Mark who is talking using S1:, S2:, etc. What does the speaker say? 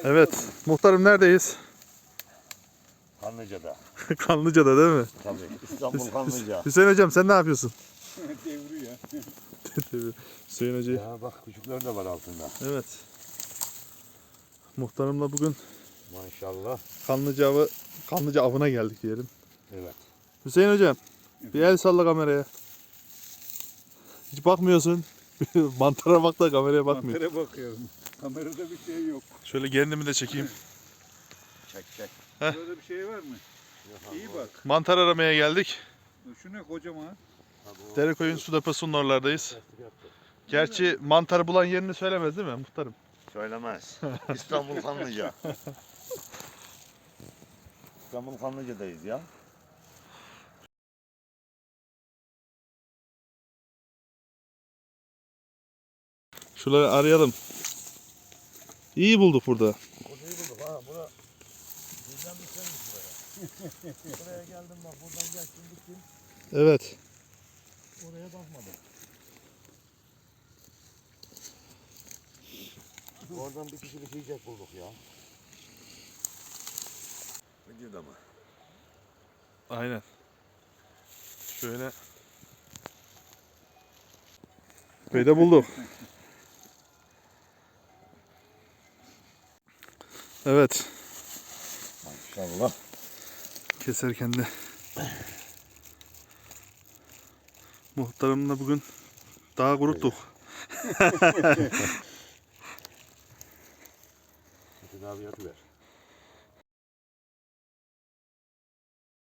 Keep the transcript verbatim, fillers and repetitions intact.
S1: Evet, muhtarım neredeyiz?
S2: Kanlıca'da.
S1: Kanlıca'da değil mi?
S2: Tabii. İstanbul Kanlıca.
S1: Hüseyin hocam sen ne yapıyorsun?
S3: Devriyor.
S1: Hüseyin hocayı.
S2: Ya bak küçükler de var altında.
S1: Evet. Muhtarımla bugün
S2: Maşallah.
S1: Kanlıca avı, Kanlıca avına geldik diyelim.
S2: Evet.
S1: Hüseyin hocam bir el salla kameraya. Hiç bakmıyorsun. Mantara bak da kameraya bakmıyor.
S3: Kameraya bakıyorum. Kamerada bir şey yok.
S1: Şöyle kendimi de çekeyim.
S2: Çek çek.
S1: Heh.
S3: Burada bir şey var mı? İyi bak.
S1: Mantar aramaya geldik.
S3: Şu ne kocaman?
S1: Derekoyun su deposunun oralardayız. Gerçi mantarı bulan yerini söylemez değil mi muhtarım?
S2: Söylemez. İstanbul Kanlıca. İstanbul Kanlıca'dayız ya.
S1: Şuraları arayalım. İyi bulduk burada.
S2: Burayı bulduk ha. Bura bizden bir şeymiş buraya. Buraya geldim bak. Buradan geçtim gittim.
S1: Evet.
S2: Oraya bakmadım. Oradan bir kişilik yiyecek bulduk ya. Vücuda mı?
S1: Aynen. Şöyle. Burayı da bulduk. Evet.
S2: Maşallah.
S1: Keserken de muhtarımla bugün daha kuruttuk.
S2: Tedavi yapıver.